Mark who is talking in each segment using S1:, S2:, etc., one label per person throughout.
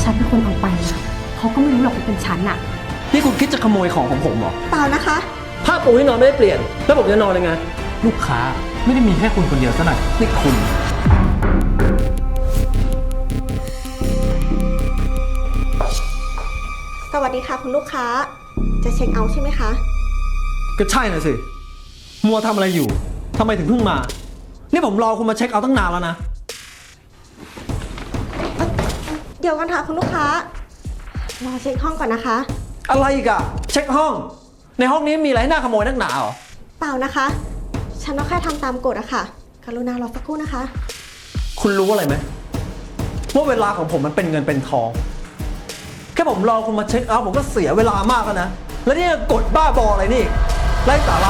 S1: ฉันเป็นคนเอาไปนะเขาก็ไม่รู้หรอกว่าเป็นฉันอะ
S2: นี่คุณคิดจะขโมยของของผมเหรอ
S3: เปล่านะคะ
S2: ผ้าปูที่นอนไม่ได้เปลี่ยน แล้วผมจะนอนยังไง
S4: ลูกค้าไม่ได้มีแค่คุณคนเดียวซะหน่อยนี่คุณ
S3: สวัสดีค่ะคุณลูกค้า จะเช็คเอาท์ใช่ไหมคะ
S2: ก็ใช่น่ะสิ มัวทำอะไรอยู่ ทำไมถึงเพิ่งมา นี่ผมรอคุณมาเช็คเอาท์ตั้งนานแล้วนะ
S3: เดี๋ยวกันค่ะคุณลูกค้า รอเช็คห้องก่อนนะคะ
S2: อะไรอีกอะเช็คห้อง ในห้องนี้มีอะไรให้น่าขโมยนักหนาเหรอ
S3: เปล่านะคะ ฉันก็แค่ทำตามกฎอะค่ะ กรุณารอสักครู่นะคะ
S2: คุณรู้อะไรไหมว่าเวลาของผมมันเป็นเงินเป็นทอง แค่ผมรอคุณมาเช็คเอาท์ผมก็เสียเวลามากแล้วนะ แล้วนี่กดบ้าบออะไรนี่ไร้สาระ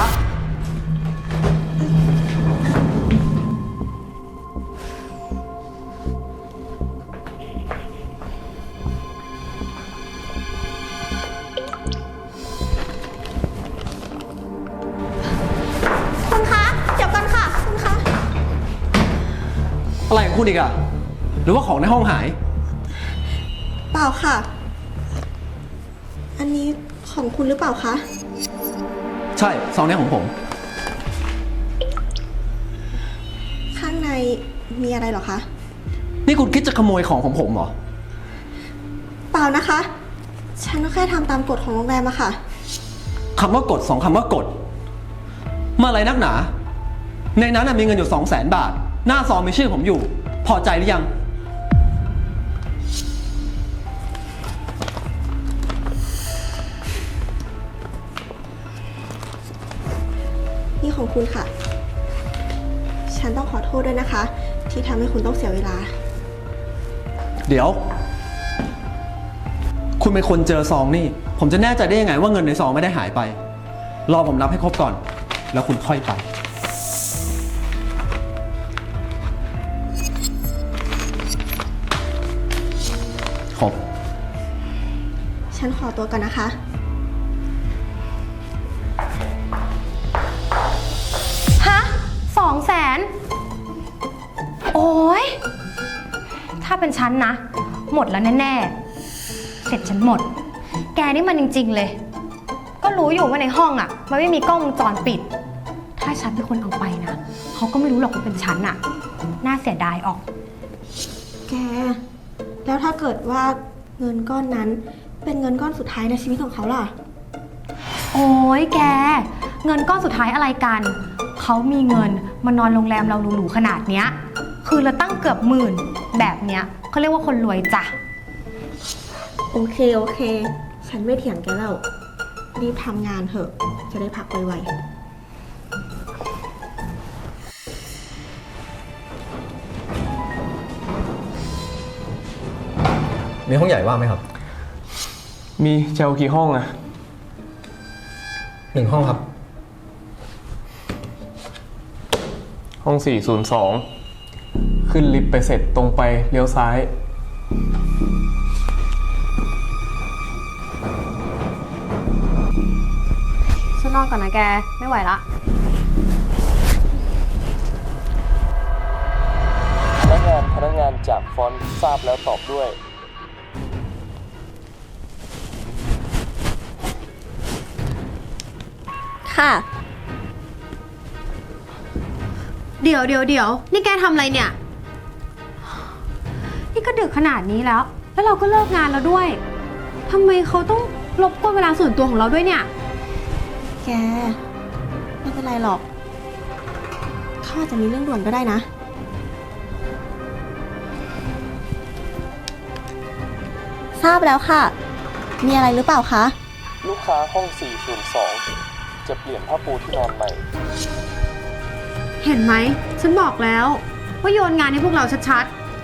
S3: คุณคะ เดี๋ยวกันค่ะ คุณคะ
S2: อะไรของคุณอีกอะหรือว่าของในห้องหาย
S3: เปล่าค่ะ อันนี้ของคุณหรือเปล่าคะ
S2: ใช่ซองนี้ของผม
S3: ข้างในมีอะไรเหรอคะ
S2: นี่คุณคิดจะขโมยของของผมเหรอ
S3: เปล่านะคะ ฉันก็แค่ทำตามกฎของโรงแรมอะค่ะ
S2: คำว่ากดสองคำว่ากด มาอะไรนักหนา ในนั้นนะมีเงินอยู่200,000 บาท หน้าซองมีชื่อผมอยู่ พอใจหรือยัง
S3: นี่ของคุณค่ะ ฉันต้องขอโทษด้วยนะคะ ที่ทำให้คุณต้องเสียเวลา
S2: เดี๋ยว คุณเป็นคนเจอซองนี่ ผมจะแน่ใจได้ยังไงว่าเงินในซองไม่ได้หายไป รอผมนับให้ครบก่อน แล้วคุณค่อยไป ครบ
S3: ฉันขอตัวก่อนนะคะ
S1: ฮะ200,000โอ้ยถ้าเป็นฉันนะ หมดแล้วแน่ๆเสร็จฉันหมด แกนี่มันจริงๆเลย ก็รู้อยู่ว่าในห้องอ่ะมันไม่มีกล้องวงจรปิด ถ้าฉันเป็นคนเอาไปนะเขาก็ไม่รู้หรอกว่าเป็นฉันอ่ะน่าเสียดายออก
S3: แก แล้วถ้าเกิดว่าเงินก้อนนั้นเป็นเงินก้อนสุดท้ายในชีวิตของเขาล่ะ
S1: โอ้ยแก เงินก้อนสุดท้ายอะไรกัน เขามีเงินมานอนโรงแรมเราหรูๆขนาดเนี้ย คือเราตั้งเกือบ10,000แบบเนี้ยเขาเรียกว่าคนรวยจ้ะ
S3: โอเค โอเค ฉันไม่เถียงแกแล้ว รีบทำงานเถอะ จะได้พักไวๆ
S2: มีห้องใหญ่ว่างไหมครับ
S4: มีจะเอากี่ห้องอะ
S2: 1 ห้องครับ
S4: ห้อง402ขึ้นลิฟต์ไปเสร็จตรงไปเลี้ยวซ้าย
S1: ฉันนอนก่อนนะแก ไม่ไหวละ
S4: พนักงานจากฟอนต์ทราบแล้วตอบด้วย
S3: ค่ะ
S1: เดี๋ยวนี่แกทำอะไรเนี่ย นี่ก็ดึกขนาดนี้แล้ว แล้วเราก็เลิกงานแล้วด้วยทำไมเขาต้องรบกวนเวลาส่วนตัวของเราด้วยเนี่ย
S3: แก ไม่เป็นไรหรอก เขาอาจจะมีเรื่องด่วนก็ได้นะ ทราบแล้วค่ะ มีอะไรหรือเปล่าคะ
S4: ลูกค้าห้อง402จะเปลี่ยนผ้าปูที่นอนใหม่
S1: เห็นไหม ฉันบอกแล้วว่าโยนงานให้พวกเราชัด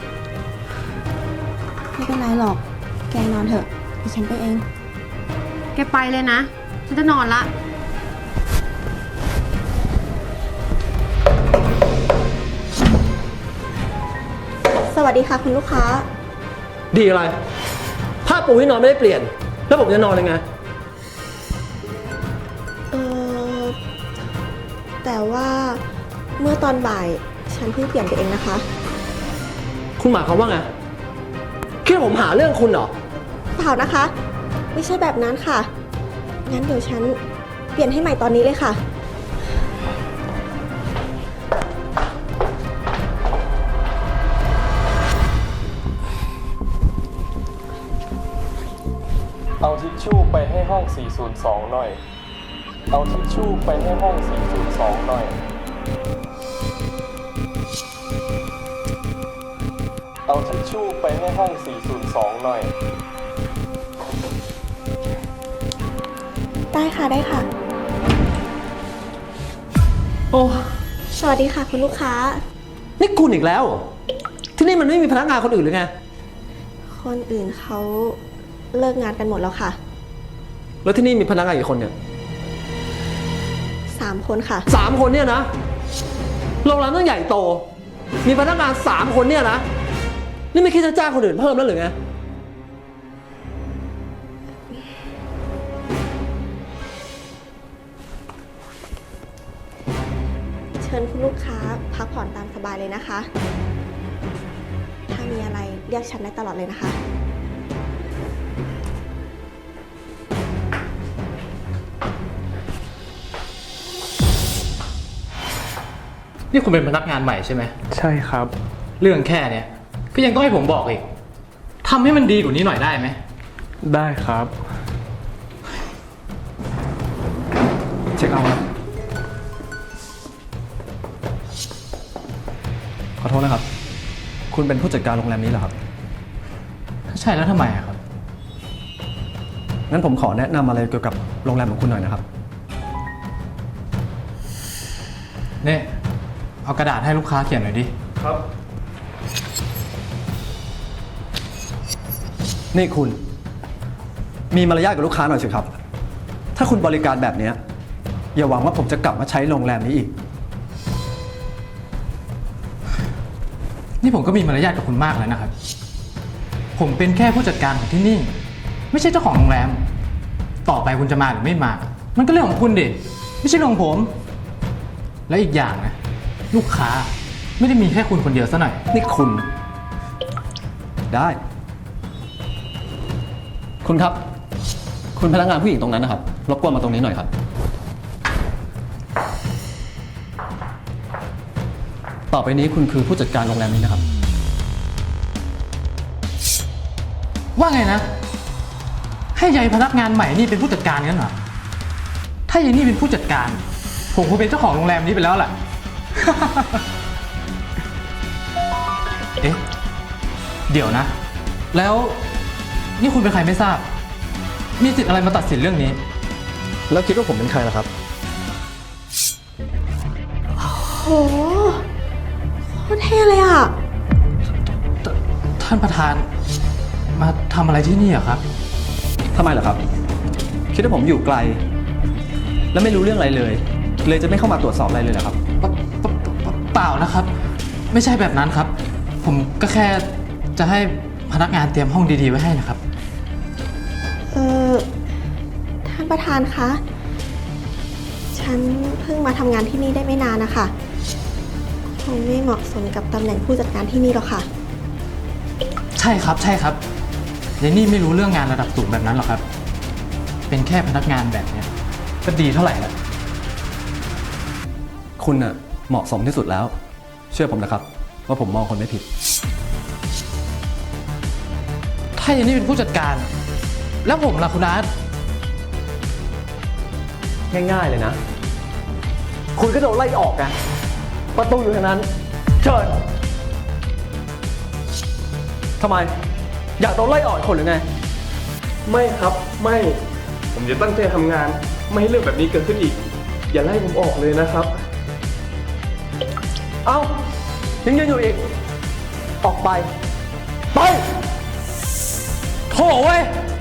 S3: ไม่เป็นไรหรอก แกนอนเถอะดิฉันไปเอง
S1: ๆ แกไปเลยนะ ฉันจะนอนละ
S3: สวัสดีค่ะคุณลูกค้า
S2: ดีอะไร ผ้าปูที่นอนไม่ได้เปลี่ยน แล้วผมจะนอนยังไง
S3: เออแต่ว่าเมื่อตอนบ่ายฉันเพิ่งเปลี่ยนไปเองนะคะ
S2: คุณหมายความว่าไงคิดว่าผมหาเรื่องคุณเหรอ
S3: เปล่านะคะ ไม่ใช่แบบนั้นค่ะ งั้นเดี๋ยวฉันเปลี่ยนให้ใหม่ตอนนี้เลยค่ะ
S4: เอาทิชชู่ไปให้ห้อง 402 หน่อย เอาทิชชู่ไปให้ห้อง 402 หน่อย เอาทิชชู่ไปให้ห้อง 402 หน่อย
S3: ได้ค่ะได้ค่ะ
S2: โอ้
S3: สวัสดีค่ะคุณลูกค้า
S2: นี่คุณอีกแล้วเหรอที่นี่มันไม่มีพนักงานคนอื่นหรือไง
S3: คนอื่นเขาเลิกงานกันหมดแล้วค่ะ
S2: แล้วที่นี่มีพนักงานกี่คนเนี่ย
S3: 3 คนค่ะ
S2: 3 คนเนี่ยนะ โรงแรมต้องใหญ่โต มีพนักงาน3 คนเนี่ยนะ นี่ไม่คิดจะจ้างคนอื่นเพิ่มแล้วหรือไง
S3: เชิญคุณลูกค้าพักผ่อนตามสบายเลยนะคะ ถ้ามีอะไรเรียกฉันได้ตลอดเลยนะคะ
S5: นี่คุณเป็นพนักงานใหม่ใช่ไหม
S4: ใช่ครับ
S5: เรื่องแค่เนี้ยก็ยังต้องให้ผมบอกอีกทำให้มันดีกว่านี้หน่อยได้ไหม
S4: ได้ครับ เช็คเอาท์ครับ
S2: ขอโทษนะครับ คุณเป็นผู้จัดการโรงแรมนี้เหรอครับ
S5: ถ้าใช่แล้วทำไมอะครับ
S2: งั้นผมขอแนะนำอะไรเกี่ยวกับโรงแรมของคุณหน่อยนะครับ
S5: เนี่ยเอากระดาษให้ลูกค้าเขียนหน่อยดิ
S4: ครับ
S2: นี่คุณ มีมารยาทกับลูกค้าหน่อยสิครับ ถ้าคุณบริการแบบเนี้ยอย่าหวังว่าผมจะกลับมาใช้โรงแรมนี้อีก
S5: นี่ผมก็มีมารยาทกับคุณมากแล้วนะครับ ผมเป็นแค่ผู้จัดการของที่นี่ ไม่ใช่เจ้าของโรงแรม ต่อไปคุณจะมาหรือไม่มา มันก็เรื่องของคุณดิ ไม่ใช่เรื่องของผม และอีกอย่างนะ ลูกค้าไม่ได้มีแค่คุณคนเดียวซะหน่อย
S2: นี่คุณ ได้ คุณครับ คุณพนักงานผู้หญิงตรงนั้นนะครับ รบกวนมาตรงนี้หน่อยครับ ต่อไปนี้คุณคือผู้จัดการโรงแรมนี้นะครับ
S5: ว่าไงนะ ให้ยายพนักงานใหม่นี่เป็นผู้จัดการงั้นเหรอ ถ้ายายนี่เป็นผู้จัดการ ผมคงเป็นเจ้าของโรงแรมนี้ไปแล้วแหละ เอ๊ะ เดี๋ยวนะ แล้วนี่คุณเป็นใครไม่ทราบ มีสิทธิ์อะไรมาตัดสินเรื่องนี้
S2: แล้วคิดว่าผมเป็นใครล่ะครับ
S3: โหโคตรเท่เลยอ่ะ
S5: ท่านประธานมาทำอะไรที่นี่อะครับ
S2: ทำไมเหรอครับ คิดว่าผมอยู่ไกล และไม่รู้เรื่องอะไรเลย เลยจะไม่เข้ามาตรวจสอบอะไรเลยเหรอครับ
S5: เปล่านะครับ ไม่ใช่แบบนั้นครับ ผมก็แค่จะให้พนักงานเตรียมห้องดีๆไว้ให้นะครับ
S3: เออท่านประธานคะ ฉันเพิ่งมาทำงานที่นี่ได้ไม่นานนะคะ คงไม่เหมาะสมกับตำแหน่งผู้จัดการที่นี่หรอกค่ะ
S5: ใช่ครับใช่ครับยายนี่ไม่รู้เรื่องงานระดับสูงแบบนั้นหรอกครับ เป็นแค่พนักงานแบบเนี้ยก็ดีเท่าไหร่แล้ว
S2: คุณน่ะเหมาะสมที่สุดแล้ว เชื่อผมนะครับ ว่าผมมองคนไม่ผิด
S5: ถ้ายายนี่เป็นผู้จัดการ แล้วผมล่ะคุณอาร์ต
S2: ง่ายๆเลยนะ คุณก็โดนไล่ออกไงประตูอยู่ทางนั้น เชิญทำไม อยากโดนไล่ออกอีกคนหรือไง
S4: ไม่ครับ ไม่ ผมจะตั้งใจทำงาน ไม่ให้เรื่องแบบนี้เกิดขึ้นอีก อย่าไล่ผมออกเลยนะครับ
S2: เอ้า ยังยืนอยู่อีก ออกไป ไปโถ่เว้ย